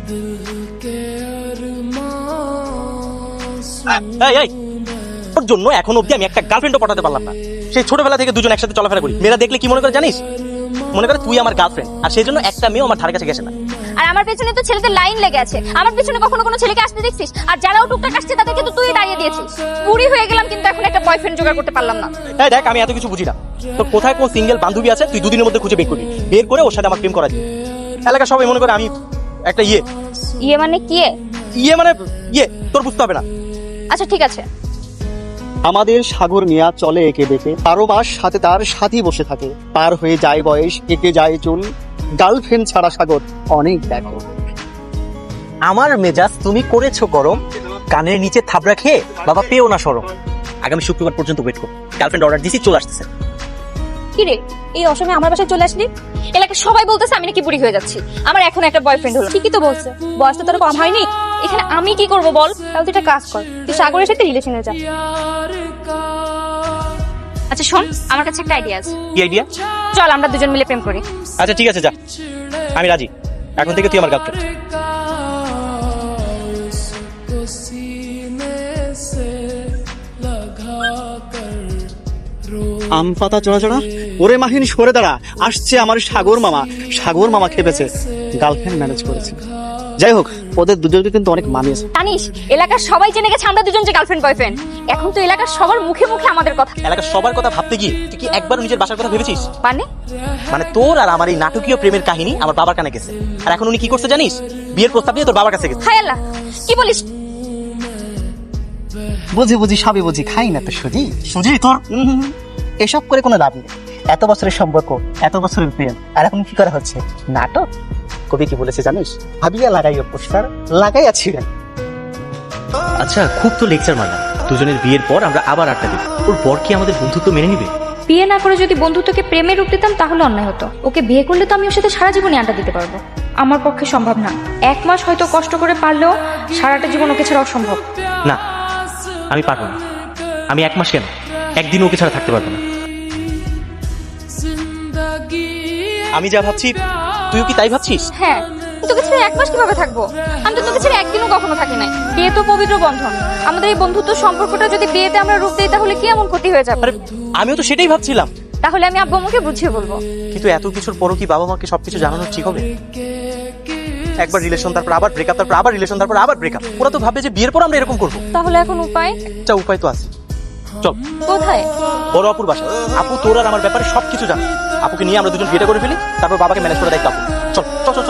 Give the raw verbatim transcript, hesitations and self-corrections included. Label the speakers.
Speaker 1: তোর জন্য এখন অবধি আমি একটা গার্লফ্রেন্ডও পটাতে পারলাম না। সেই ছোটবেলা থেকে দুজন একসাথে চলাফেরা করি, মেয়েরা দেখলে কি মনে করে জানিস? মনে করে তুই আমার গার্লফ্রেন্ড, আর সেই জন্য একটা মেয়েও আমার ধারে কাছে গেছে না।
Speaker 2: আর আমার পেছনে তো ছেলেদের লাইন লেগে আছে, আমার পেছনে কখনো কোনো ছেলেকে আসতে দেখছিস? আর যারাও টুকটাক আসছে তাদেরকে তো তুই দাঁড়িয়ে দিয়েছিস। বুড়ি হয়ে গেলাম কিন্তু এখন একটা বয়ফ্রেন্ড জোগাড় করতে পারলাম না।
Speaker 1: এই দেখ, আমি এত কিছু বুঝি না। তো কোথায় কোন সিঙ্গেল বান্ধবী আছে তুই দুদিনের মধ্যে খুঁজে বের করবি, বের করে ওর সাথে আমার প্রেম করা দিবি। এলাকা সবাই মনে করে আমি একটা ইয়ে
Speaker 2: ইয়ে মানে কি?
Speaker 1: ইয়ে মানে ইয়ে তোর বুঝতে হবে না।
Speaker 2: আচ্ছা ঠিক আছে।
Speaker 3: আমাদের সাগর মিয়া চলে একে বেঁকে, বারো মাস সাথে তার সাথী বসে থাকে, পার হয়ে যায় বয়স, একে যায় চুল, গার্লফ্রেন্ড ছাড়া সাগর অনেক দেখো।
Speaker 1: আমার মেজাজ তুমি করেছো গরম, কানের নিচে থাবড়া খেয়ে বাবা পেও না সরম। আগামী শুক্রবার পর্যন্ত ওয়েট কর, গার্লফ্রেন্ড অর্ডার দিছি, চলে আসতেছে।
Speaker 2: কি রে, এই অসময়ে আমার বাসায় চলে আসলি? এলাকার সবাই বলতেছে আমি নাকি বুড়ি হয়ে যাচ্ছি। আমার এখন একটা বয়ফ্রেন্ড হলো। ঠিকই তো বলছে, বয়স তো তোর কম হয়নি। এখানে আমি কি করব বল? তাহলে তুই একটা কাজ কর, তুই সাগরের সাথে রিলেশনে যা। আচ্ছা শোন, আমার কাছে একটা আইডিয়া আছে।
Speaker 1: কি আইডিয়া?
Speaker 2: চল আমরা দুজন মিলে প্রেম করি।
Speaker 1: আচ্ছা ঠিক আছে, যা, আমি রাজি। এখন থেকে তুই আমার গার্লফ্রেন্ড।
Speaker 3: আম পাতা চড়া চড়া, ওরে মাহিন সরে দাঁড়া, আসছে আমার সাগর মামা। সাগর মামা খেপেছে, গার্লফ্রেন্ড ম্যানেজ করেছে। যাই হোক, ওদের দুজনকে কিন্তু অনেক মানিয়েছে।
Speaker 2: জানিস, এলাকার সবাই জেনে গেছে আমরা দুজন যে গার্লফ্রেন্ড বয়ফ্রেন্ড। এখন তো এলাকার সবার মুখে মুখে আমাদের কথা।
Speaker 1: এলাকার সবার কথা ভাবতে গিয়ে তুই কি একবার নিজের বাসার কথা ভেবেছিস?
Speaker 2: মানে
Speaker 1: মানে তোর আর আমার এই নাটকীয় প্রেমের কাহিনী আমার বাবার কানে গেছে, আর এখন উনি কি করছে জানিস? বিয়ের প্রস্তাব নিয়ে তোর বাবার কাছে গেছে।
Speaker 2: হায় আল্লাহ, কি বলিস?
Speaker 3: বুঝি বুঝি সবই বুঝি, খাই না তো সুজি।
Speaker 1: সুজি তোর
Speaker 3: এসব করে কোনো লাভ নেই। এত বছরের সম্পর্ক, এত বছরের প্রেম, আর এখন কি করা হচ্ছে? নাটক। কবি কি বলেছে জানিস? ভাবিয়া লাগাইও পোস্টার, লাগাইয়া ছিলেন।
Speaker 1: আচ্ছা, খুব তো লেকচার মারলাম। দুজনের বিয়ের পর আমরা আবার আড্ডা দেব। ওর পর কি আমাদের বন্ধুত্ব মেনে নিবে?
Speaker 2: বিয়ে না করে যদি বন্ধুত্বকে প্রেমে রূপ দিতাম তাহলে অন্যায় হতো। ওকে বিয়ে করলে তো আমি ওর সাথে সারা জীবনে আড্ডা দিতে পারবো। আমার পক্ষে সম্ভব না। এক মাস হয়তো কষ্ট করে পারলেও সারাটা জীবন ওকে ছাড়া অসম্ভব।
Speaker 1: না, আমি পারবো না। আমি এক মাস কেন, একদিন ওকে ছাড়া থাকতে পারবো না। আমি যা ভাবছি তুইও কি তাই ভাবছিস?
Speaker 2: হ্যাঁ, তোকে ছেড়ে এক মাস কিভাবে থাকবো? আমি তো তোকে ছেড়ে একদিনও কখনো থাকি নাই। বিয়ে তো পবিত্র বন্ধন। আমাদের এই বন্ধুত্ব সম্পর্কটা যদি বিয়েতে আমরা রূপ দিই তাহলে কি এমন ক্ষতি হয়ে যাবে?
Speaker 1: আরে আমিও তো সেটাই ভাবছিলাম।
Speaker 2: তাহলে আমি আব্বু আমাকে বুঝিয়ে বলবো।
Speaker 1: কিন্তু এত কিছুর পরও কি বাবা মাকে সবকিছু জানানো ঠিক হবে? একবার রিলেশন, তারপর আবার ব্রেকআপ, তারপর আবার রিলেশন, তারপর আবার ব্রেকআপ। ওরা তো ভাবে যে বিয়ের পর আমরা এরকম করবো।
Speaker 2: তাহলে এখন উপায়?
Speaker 1: একটা উপায় তো আছে। চল।
Speaker 2: কোথায়?
Speaker 1: বড় আপুর বাসা। আপু তোর আর আমার ব্যাপারে সবকিছু জানে। আপুকে নিয়ে আমরা দুজন বিয়েটা করে ফেলি, তারপর বাবাকে ম্যানেজ করে দায়িত্ব আপু। চল চল চল।